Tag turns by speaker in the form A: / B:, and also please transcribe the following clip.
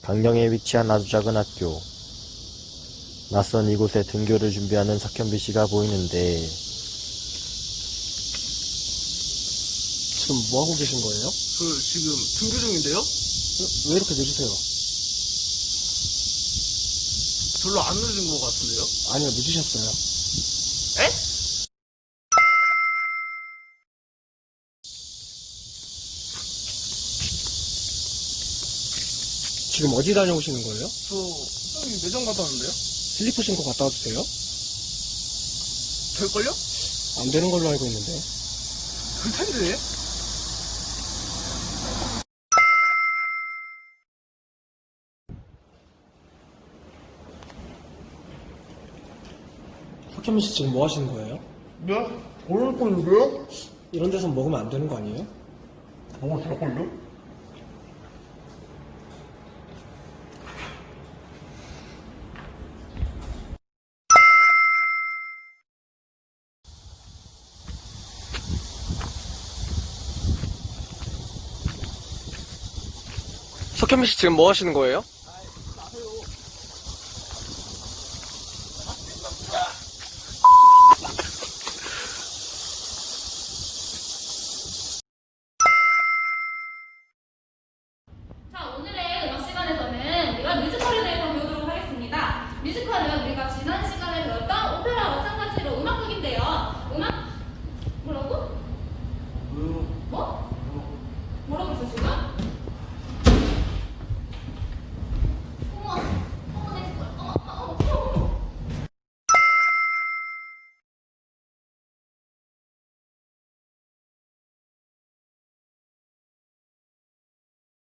A: 강릉에 위치한 아주 작은 학교. 낯선 이곳에 등교를 준비하는 석현비 씨가 보이는데
B: 지금 뭐 하고 계신 거예요?
C: 지금 등교 중인데요?
B: 왜 이렇게 늦으세요?
C: 별로 안 늦은 것 같은데요?
B: 아니요, 늦으셨어요.
C: 에?
B: 지금 어디 다녀오시는 거예요?
C: 여기 매점 갔다 왔는데요?
B: 슬리퍼 신고 갔다 와주세요.
C: 될걸요?
B: 안 되는 걸로 알고 있는데.
C: 될 텐데.
B: 석현민 씨 지금 뭐 하시는 거예요?
C: 네? 오늘 건데요?
B: 이런 데서 먹으면 안 되는 거 아니에요?
C: 뭐가 될걸요?
B: 석현민 씨 지금 뭐 하시는 거예요?